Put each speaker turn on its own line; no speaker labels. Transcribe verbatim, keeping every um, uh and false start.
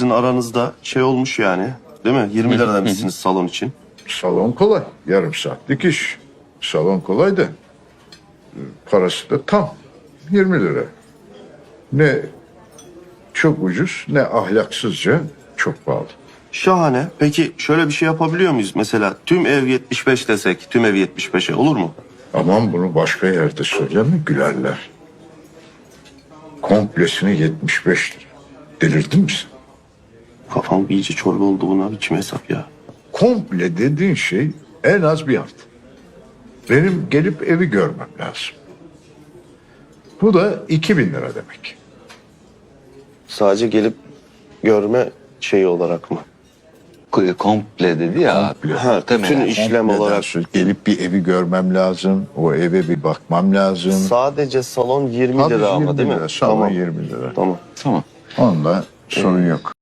sizin aranızda şey olmuş yani. Değil mi? yirmi lira demişsiniz salon için.
Salon kolay. Yarım saatlik iş. Salon kolay da parası da tam yirmi lira. Ne çok ucuz ne ahlaksızca çok pahalı.
Şahane. Peki şöyle bir şey yapabiliyor muyuz? Mesela tüm ev yetmiş beş desek, tüm ev yetmiş beşe olur mu?
Aman bunu başka yerde söyleme gülerler. Komplesini yetmiş beş lira. Delirdin mi sen?
Kafam iyice çorba oldu buna. Biçim hesap ya.
Komple dediğin şey en az bir hafta. Benim gelip evi görmem lazım. Bu da iki bin lira demek.
Sadece gelip görme şeyi olarak mı?
K- Komple dedi ya.
Ha, bütün işlem
Kompleden
olarak.
söz- Gelip bir evi görmem lazım. O eve bir bakmam lazım.
Sadece salon yirmi
Sadece
lira ama
yirmi
değil mi?
lira, salon
Tamam.
yirmi lira.
Tamam.
Tamam.
Onunla sorun yok.